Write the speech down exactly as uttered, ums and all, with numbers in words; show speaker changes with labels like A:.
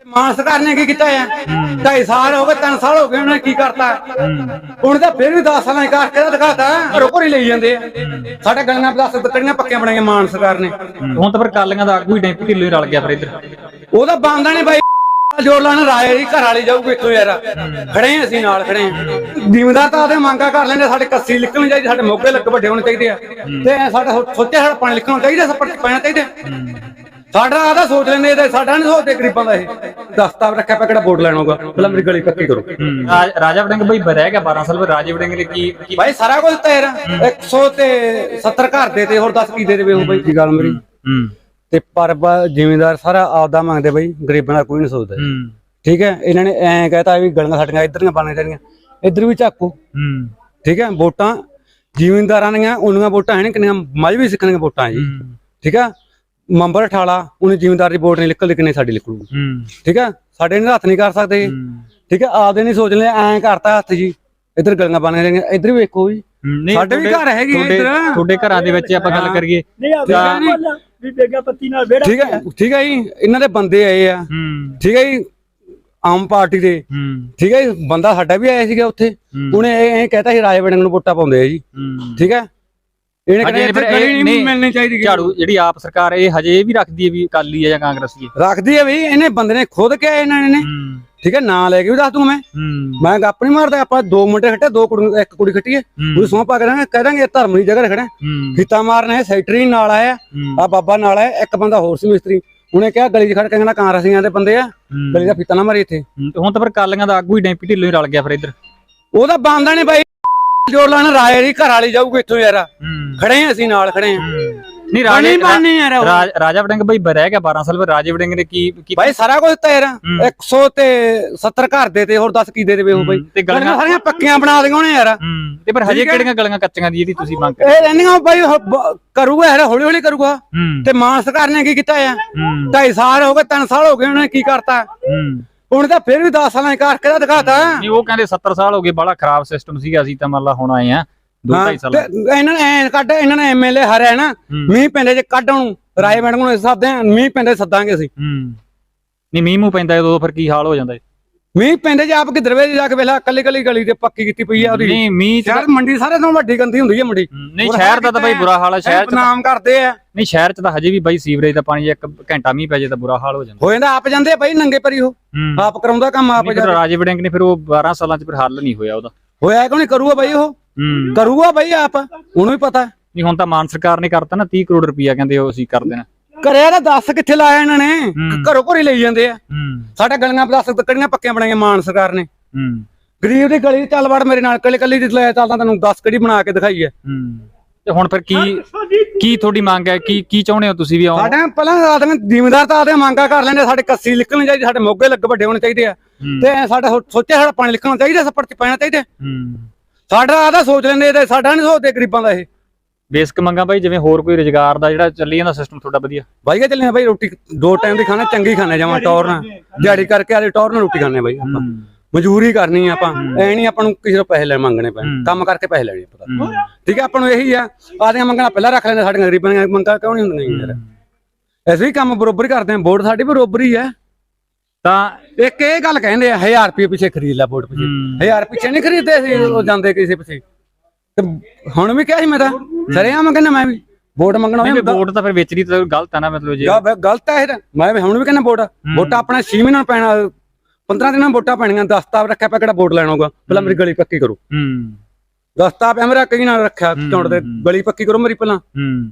A: ਮਾਨ ਸਰਕਾਰ ਨੇ ਕੀ ਕੀਤਾ ਹੈ? ਢਾਈ ਸਾਲ ਹੋ ਗਏ, ਤਿੰਨ ਸਾਲ ਹੋ ਗਏ, ਉਹਨੇ ਕੀ ਕਰਤਾ? ਹੁਣ ਤਾਂ ਫਿਰ ਵੀ ਦਸ ਸਾਲਾਂ ਕਰਕੇ ਦਿਖਾਤਾ, ਘਰੋਂ ਘਰੀ ਲਈ ਜਾਂਦੇ ਆ। ਸਾਡੇ ਗਲੀਆਂ ਦਸ ਤਕੜੀਆਂ ਪੱਕੀਆਂ ਬਣਾਈਆਂ ਮਾਨ ਸਰਕਾਰ ਨੇ।
B: ਹੁਣ ਤਾਂ ਫਿਰ ਕਾਲੀਆਂ ਦਾ ਆਗੂ ਹੀ ਡੈਂਪੀ ਢਿੱਲੋਂ ਹੀ ਰਲ ਗਿਆ ਫਿਰ ਇੱਧਰ।
A: ਉਹਦਾ ਬੰਦਾ ਨੇ ਬਾਈ ਜੋੜ ਲਾਣ ਰਾਏ ਦੀ ਘਰ ਵਾਲੀ ਜਾਊਗੀ ਇੱਥੋਂ ਯਾਰ। ਖੜੇ ਅਸੀਂ ਨਾਲ ਖੜੇ ਆ। ਜ਼ਿਮੀਂਦਾਰ ਤਾਂ ਆਦੇ ਮੰਗਾ ਕਰ ਲੈਂਦੇ, ਸਾਡੇ ਕੱਸੀ ਲਿਖਣੀ ਚਾਹੀਦੀ, ਸਾਡੇ ਮੋਗੇ ਲੱਗ ਵੱਡੇ ਹੋਣੇ ਚਾਹੀਦੇ ਆ, ਤੇ ਸਾਡਾ ਸੋਚਿਆ ਸਾਡਾ ਪਾਣੀ ਲਿਖਣਾ ਚਾਹੀਦਾ, ਸੱਪੜ ਪੈਣਾ ਚਾਹੀਦਾ। ਸਾਡਾ ਆਦਾ ਸੋਚ ਲੈਂਦੇ, ਤੇ ਸਾਡਾ ਨਹੀਂ ਸੋਚਦੇ ਗਰੀਬਾਂ ਦਾ। ਇਹ ਦਸਤਾਰ ਰੱਖਿਆ ਪਿਆ, ਕਿਹੜਾ ਵੋਟ ਲੈਣਾ ਹੋਗਾ? ਪਹਿਲਾਂ ਮੇਰੀ ਗਲੀ ਪੱਕੀ ਕਰੋ।
B: ਰਾਜਾ ਵੜਿੰਗ ਬਈ ਰਹਿ ਗਿਆ ਬਾਰਾਂ ਸਾਲ, ਰਾਜਾ ਵੜਿੰਗ ਨੇ ਕੀ
A: ਭਾਈ ਸਾਰਾ ਕੁਝ ਤਾਂ ਯਾਰ ਇੱਕ ਸੌ ਤੇ ਸੱਤਰ ਘਰ ਦੇ ਤੇ ਹੋਰ ਦਸ ਕੀ ਦੇ ਦੇਵੇ ਉਹ ਬਾਈ ਦੀ ਗੱਲ ਮੇਰੀ। ਤੇ ਪਰ ਜ਼ਿਮੀਂਦਾਰ ਸਾਰਾ ਆਪਦਾ ਮੰਗਦੇ ਬਾਈ, ਗਰੀਬਾਂ ਦਾ ਕੋਈ ਨਹੀਂ ਸੋਚਦਾ। ਠੀਕ ਹੈ, ਇਹਨਾਂ ਨੇ ਐਂ ਕਹਿਤਾ ਵੀ ਗਲੀਆਂ ਸਾਡੀਆਂ ਇੱਧਰ ਬਣਨੀਆਂ ਚਾਹੀਦੀਆਂ, ਇੱਧਰ ਵੀ ਝਾਕੂ। ਠੀਕ ਹੈ, ਵੋਟਾਂ ਜ਼ਿਮੀਂਦਾਰਾਂ ਦੀਆਂ ਉਹਨੀਆਂ ਵੋਟਾਂ ਹੈ ਨੀ ਕਿੰਨੀਆਂ ਮਜ਼ਬੀ ਸਿੱਖਣ ਦੀਆਂ ਵੋਟਾਂ ਜੀ। ਠੀਕ ਹੈ, ਮੈਂਬਰ ਠਾਲਾ ਉਹਨੇ ਜ਼ਿਮੀਂਦਾਰ ਦੀ ਵੋਟ ਨਹੀਂ ਨਿਕਲਦੀ, ਕਿੰਨੇ ਸਾਡੀ ਨਿਕਲੂਗੀ। ਠੀਕ ਹੈ, ਸਾਡੇ ਨੇ ਹੱਥ ਨਹੀਂ ਕਰ ਸਕਦੇ। ਠੀਕ ਹੈ, ਆਪਦੇ ਨਹੀਂ ਸੋਚ ਲੈ, ਐਂ ਕਰਤਾ ਹੱਥ ਜੀ, ਇੱਧਰ ਗਲੀਆਂ ਬਣਨੀਆਂ ਚਾਹੀਦੀਆਂ, ਇੱਧਰ ਵੀ ਵੇਖੋ ਜੀ, ਸਾਡੇ ਵੀ ਘਰ ਹੈਗੇ ਇੱਧਰ।
B: ਤੁਹਾਡੇ ਘਰਾਂ ਦੇ ਵਿੱਚ ਆਪਾਂ ਗੱਲ ਕਰੀਏ,
A: ਠੀਕ ਹੈ ਠੀਕ ਹੈ ਜੀ, ਇਹਨਾਂ ਦੇ ਬੰਦੇ ਆਏ ਆ। ਠੀਕ ਹੈ ਜੀ, ਆਮ ਪਾਰਟੀ ਦੇ। ਠੀਕ ਹੈ ਜੀ, ਬੰਦਾ ਸਾਡਾ ਵੀ ਆਇਆ ਸੀਗਾ ਉੱਥੇ, ਉਹਨੇ ਇਹ ਕਹਿਤਾ ਸੀ ਰਾਜਾ ਵੜਿੰਗ ਨੂੰ ਵੋਟਾਂ ਪਾਉਂਦੇ ਆ ਜੀ। ਠੀਕ ਹੈ, ਇਹਨੇ ਕਹਿੰਦੇ ਮਿਲਣੀ ਚਾਹੀਦੀ
B: ਝਾੜੂ ਜਿਹੜੀ ਆਪ ਸਰਕਾਰ ਇਹ ਹਜੇ ਵੀ ਰੱਖਦੀ ਹੈ ਵੀ ਅਕਾਲੀ ਹੈ ਜਾਂ ਕਾਂਗਰਸੀ ਹੈ?
A: ਰੱਖਦੀ ਹੈ ਬਈ, ਇਹਨੇ ਬੰਦੇ ਨੇ ਖੁਦ ਕਿਹਾ ਇਹਨਾਂ ਨੇ। ਠੀਕ ਹੈ, ਨਾਂ ਲੈ ਕੇ ਵੀ ਦੱਸ ਦੂੰ ਮੈਂ, ਮੈਂ ਗੱਪ ਨਹੀਂ ਮਾਰਦਾ। ਆਪਾਂ ਦੋ ਮੁੰਡੇ ਖੱਟੇ, ਦੋ ਕੁੜੀ, ਇੱਕ ਕੁੜੀ ਖੱਟੀ ਹੈ, ਉਹਨੂੰ ਸੌਂ ਪਾ ਕੇ ਕਹਿ ਦਾਂਗੇ ਧਰਮ ਦੀ ਜਗ੍ਹਾ ਖੜਾ। ਫੀਤਾ ਮਾਰਨਾ ਸੈਕਟਰੀ ਨਾਲ ਆਇਆ, ਆ ਬਾਬਾ ਨਾਲ ਆਇਆ, ਇੱਕ ਬੰਦਾ ਹੋਰ ਸੀ ਮਿਸਤਰੀ। ਉਹਨੇ ਕਿਹਾ ਗਲੀ 'ਚ ਖੜ ਕੇ ਕਹਿੰਦਾ ਕਾਂਗਰਸੀਆਂ ਦੇ ਬੰਦੇ ਆ, ਗਲੀ ਦਾ ਫੀਤਾ ਨਾ ਮਾਰੀ ਇੱਥੇ।
B: ਹੁਣ ਤਾਂ ਫਿਰ ਕਾਲੀਆਂ ਦਾ ਆਗੂ ਹੀ ਡੈਂਪੀ ਢਿੱਲੋਂ ਹੀ ਰਲ ਗਿਆ ਫਿਰ ਇੱਧਰ।
A: ਉਹਦਾ ਬੰਦਾ ਨੇ ਬਾਈ ਜੋੜ ਲਾਣ ਰਾਏ ਦੀ ਘਰ ਵਾਲੀ ਜਾਊਗੀ ਇੱਥੋਂ ਯਾਰ। ਖੜੇ ਆ ਅਸੀਂ ਨਾਲ ਖੜੇ ਆ।
B: ਨਹੀਂ ਰਾਜਾ ਵੜਿੰਗ ਬਈ ਰਹਿ ਗਿਆ ਬਾਰਾਂ ਸਾਲ, ਰਾਜਾ ਵੜਿੰਗ ਨੇ ਕੀ
A: ਬਾਈ ਸਾਰਾ ਕੁਝ ਤਾਂ ਯਾਰ ਇੱਕ ਸੌ ਤੇ ਸੱਤਰ ਘਰ ਦੇ ਤੇ ਹੋਰ ਦਸ ਕੀ ਦੇ ਦੇਵੇ ਉਹ ਬਾਈ। ਤੇ ਗਲੀਆਂ ਸਾਰੀਆਂ ਪੱਕੀਆਂ ਬਣਾ ਦੇਗਾ ਉਹਨੇ ਯਾਰ।
B: ਤੇ ਪਰ ਹਜੇ ਕਿਹੜੀਆਂ ਗਲੀਆਂ ਕੱਚੀਆਂ ਦੀ ਜਿਹੜੀ ਤੁਸੀਂ ਮੰਗ
A: ਇਹ ਰਹਿੰਦੀਆਂ ਬਾਈ? ਕਰੂਗਾ ਯਾਰ, ਹੌਲੀ ਹੌਲੀ ਕਰੂਗਾ। ਤੇ ਮਾਨ ਸਰਕਾਰ ਨੇ ਕੀ ਕੀਤਾ ਆ? ਢਾਈ ਸਾਲ ਹੋ ਗਏ, ਤਿੰਨ ਸਾਲ ਹੋ ਗਏ, ਉਹਨੇ ਕੀ ਕਰਤਾ? ਹੁਣ ਤਾਂ ਫਿਰ ਵੀ ਦਸ ਸਾਲਾਂ ਕਰਕੇ ਦਿਖਾਤਾ।
B: ਨਹੀਂ ਉਹ ਕਹਿੰਦੇ ਸੱਤਰ ਸਾਲ ਹੋ ਗਏ, ਬੜਾ ਖਰਾਬ ਸਿਸਟਮ ਸੀਗਾ, ਅਸੀਂ ਤਾਂ ਮੰਨ ਲਾ ਹੁਣ ਆਏ ਆ ਦੋ ਢਾਈ ਸਾਲ।
A: ਇਹਨਾਂ ਨੇ ਐ ਕੱਢ, ਇਹਨਾਂ ਨੇ ਐਮਐਲਏ ਹਾਰਿਆ ਨਾ, ਮੀਂਹ ਪੈਂਦੇ ਜੇ ਕੱਢ ਉਹਨੂੰ ਰਾਏ ਵੜਿੰਗ ਨੂੰ ਸੱਦਦੇ, ਮੀਂਹ ਪੈਂਦੇ ਸੱਦਾਂਗੇ ਅਸੀਂ।
B: ਨਹੀਂ ਮੀਂਹ ਮੂੰਹ ਪੈਂਦਾ ਉਦੋਂ ਫਿਰ ਕੀ ਹਾਲ ਹੋ ਜਾਂਦਾ?
A: ਮੀਂਹ ਪੈਂਦੇ ਜੇ ਆਪ ਕਿ ਦਰਵੇ ਜਾ ਕੇ ਵੇਲਾ ਕੱਲੀ ਕੱਲੀ ਗਲੀ ਤੇ ਪੱਕੀ ਕੀਤੀ ਪਈ ਆ ਉਹਦੀ।
B: ਨਹੀਂ ਮੀਂਹ
A: ਸ਼ਹਿਰ ਮੰਡੀ ਸਾਰੇ ਤੋਂ ਵੱਡੀ ਗੰਦੀ ਹੁੰਦੀ ਹੈ ਮੰਡੀ।
B: ਨਹੀਂ ਸ਼ਹਿਰ ਦਾ ਤਾਂ ਬਾਈ ਬੁਰਾ ਹਾਲ ਹੈ, ਸ਼ਹਿਰ ਚ
A: ਨਾਮ ਕਰਦੇ ਆ।
B: ਨਹੀਂ ਸ਼ਹਿਰ ਚ ਤਾਂ ਹਜੇ ਵੀ ਬਾਈ ਸੀਵਰੇਜ ਦਾ ਪਾਣੀ ਇੱਕ ਘੰਟਾ ਮੀਂਹ ਪੈ ਜੇ ਤਾਂ ਬੁਰਾ ਹਾਲ ਹੋ ਜਾਂਦਾ।
A: ਹੋ ਜਾਂਦਾ, ਆਪ ਜਾਂਦੇ ਆ ਬਾਈ ਨੰਗੇ ਪਰੀ, ਉਹ ਆਪ ਕਰਾਉਂਦਾ ਕੰਮ ਆਪ।
B: ਰਾਜਾ ਵੜਿੰਗ ਨੇ ਫਿਰ ਉਹ ਬਾਰਾਂ ਸਾਲਾਂ ਚ ਫਿਰ ਹੱਲ ਨਹੀਂ ਹੋਇਆ ਉਹਦਾ।
A: ਹੋਇਆ ਕਿਉਂ ਨਹੀਂ? ਕਰੂਗਾ ਬਾਈ, ਉਹ ਕਰੂਗਾ ਬਾਈ ਆਪ, ਉਹਨੂੰ ਵੀ ਪਤਾ।
B: ਨਹੀਂ ਹੁਣ ਤਾਂ ਮਾਨ ਸਰਕਾਰ ਨੇ ਕਰਤਾ ਨਾ ਤੀਹ ਕਰੋੜ ਰੁਪਇਆ, ਕਹਿੰਦੇ ਉਹ ਅਸੀਂ ਕਰ ਦੇਣਾ।
A: ਕਰਿਆ ਤਾਂ ਦੱਸ ਕਿੱਥੇ ਲਾਇਆ ਇਹਨਾਂ ਨੇ? ਘਰੋਂ ਘਰੀ ਲਈ ਜਾਂਦੇ ਆ। ਸਾਡੇ ਗਲੀਆਂ ਦਸ ਤਕੜੀਆਂ ਪੱਕੀਆਂ ਬਣਾਈਆਂ ਮਾਨ ਸਰਕਾਰ ਨੇ। ਗਰੀਬ ਦੀ ਗਲੀ ਚੱਲ ਵੜ ਮੇਰੇ ਨਾਲ, ਕੱਲੀ ਕੱਲੀ ਦੀ ਲੈ ਚੱਲਦਾ, ਤੈਨੂੰ ਦਸ ਕੜੀ ਬਣਾ ਕੇ ਦਿਖਾਈ ਹੈ।
B: ਤੇ ਹੁਣ ਫਿਰ ਕੀ ਕੀ ਤੁਹਾਡੀ ਮੰਗ ਹੈ? ਕੀ ਕੀ ਚਾਹੁੰਦੇ ਹੋ ਤੁਸੀਂ ਵੀ?
A: ਸਾਡੇ ਪਹਿਲਾਂ ਆਦਮੀ ਜ਼ਿਮੀਂਦਾਰ ਤਾਂ ਆਦੇ ਮੰਗਾ ਕਰ ਲੈਂਦੇ, ਸਾਡੇ ਕੱਸੀ ਲਿਖਣੀ ਚਾਹੀਦੀ, ਸਾਡੇ ਮੋਗੇ ਲੱਗ ਵੱਡੇ ਹੋਣੇ ਚਾਹੀਦੇ ਆ, ਤੇ ਸਾਡਾ ਸੋਚਿਆ ਸਾਡਾ ਪਾਣੀ ਲਿਖਣਾ ਚਾਹੀਦਾ, ਸੱਪੜ ਚ ਪੈਣਾ ਚਾਹੀਦਾ। ਸਾਡਾ ਆਦਾ ਸੋਚ ਲੈਂਦੇ, ਤੇ ਸਾਡਾ ਨਹੀਂ ਸੋਚਦੇ ਗਰੀਬਾਂ ਦਾ। ਇਹ
B: ਬੇਸਿਕ ਮੰਗਾਂ ਬਾਈ, ਜਿਵੇਂ ਹੋਰ ਕੋਈ ਰੁਜ਼ਗਾਰ ਦਾ ਜਿਹੜਾ ਚੱਲੀ ਜਾਂਦਾ ਸਿਸਟਮ ਤੁਹਾਡਾ ਵਧੀਆ?
A: ਬਾਈਗਾ ਚੱਲੇ ਬਾਈ, ਰੋਟੀ ਦੋ ਟਾਈਮ ਦੀ ਖਾਣਾ ਚੰਗੀ ਖਾਣੇ, ਜਾਵਾਂ ਟੌਰ ਨਾਲ ਦਿਹਾੜੀ ਕਰਕੇ ਆਲੇ ਟੌਰ ਨਾਲ ਰੋਟੀ ਖਾਣੇ ਬਾਈ। ਆਪਾਂ ਮਜ਼ਦੂਰੀ ਕਰਨੀ ਆਪਾਂ, ਐ ਨਹੀਂ ਆਪਾਂ ਨੂੰ ਕਿਸੇ ਤੋਂ ਪੈਸੇ ਲੈ ਮੰਗਣੇ ਪੈਣ, ਕੰਮ ਕਰਕੇ ਪੈਸੇ ਲੈਣੇ ਪਤਾ। ਠੀਕ ਹੈ, ਆਪਾਂ ਨੂੰ ਇਹੀ ਆ, ਆਦੀਆਂ ਮੰਗਣਾ ਪਹਿਲਾਂ ਰੱਖ ਲੈਂਦੇ, ਸਾਡੀਆਂ ਗਰੀਬਾਂ ਦੀਆਂ ਮੰਗਾਂ ਕਿਉਂ ਨਹੀਂ ਹੁੰਦੀਆਂ ਯਾਰ? ਅਸੀਂ ਵੀ ਕੰਮ ਬਰੋਬਰ ਕਰਦੇ ਹਾਂ, ਵੋਟ ਸਾਡੀ ਬਰੋਬਰ ਹੀ ਹੈ। ਤਾਂ ਇੱਕ ਇਹ ਗੱਲ ਕਹਿੰਦੇ ਆ, ਹਜ਼ਾਰ ਰੁਪਏ ਪਿੱਛੇ ਖਰੀਦ ਲੈ ਵੋਟ ਪਿੱਛੇ। ਹਜ਼ਾਰ ਪਿੱਛੇ ਨਹੀਂ ਖਰੀਦਦੇ ਅਸੀਂ, ਉਹ ਜਾਂਦੇ ਕਿਸੇ ਪਿੱਛੇ। ਤੇ ਹੁਣ ਵੀ ਕਿਹਾ ਸੀ ਮੈਂ ਤਾਂ ਸਰੇਆਮ ਕਹਿੰਦਾ, ਮੈਂ ਵੀ ਵੋਟ ਮੰਗਣਾ।
B: ਵੋਟ ਤਾਂ ਫਿਰ ਵੇਚਣੀ ਤਾਂ ਗਲਤ ਹੈ ਨਾ, ਮਤਲਬ ਜੇ
A: ਗਲਤ ਹੈ ਇਹ। ਮੈਂ ਹੁਣ ਵੀ ਕਹਿੰਦਾ ਵੋਟ ਵੋਟਾਂ ਆਪਣਾ ਛੇ ਮਹੀਨੇ ਨੂੰ ਪੈਣਾ, ਪੰਦਰਾਂ ਦਿਨਾਂ ਵੋਟਾਂ ਪੈਣੀਆਂ। ਦਸਤਾਰ ਰੱਖਿਆ ਪਿਆ, ਕਿਹੜਾ ਵੋਟ ਲੈਣਾ ਹੋਗਾ? ਪਹਿਲਾਂ ਮੇਰੀ ਗਲੀ ਪੱਕੀ ਕਰੋ। ਦਸਤਾਰ ਪਿਆ ਮੇਰਾ, ਕਈ ਨਾਲ ਰੱਖਿਆ ਚੌਂਟ ਦੇ, ਗਲੀ ਪੱਕੀ ਕਰੋ ਮੇਰੀ ਪਹਿਲਾਂ।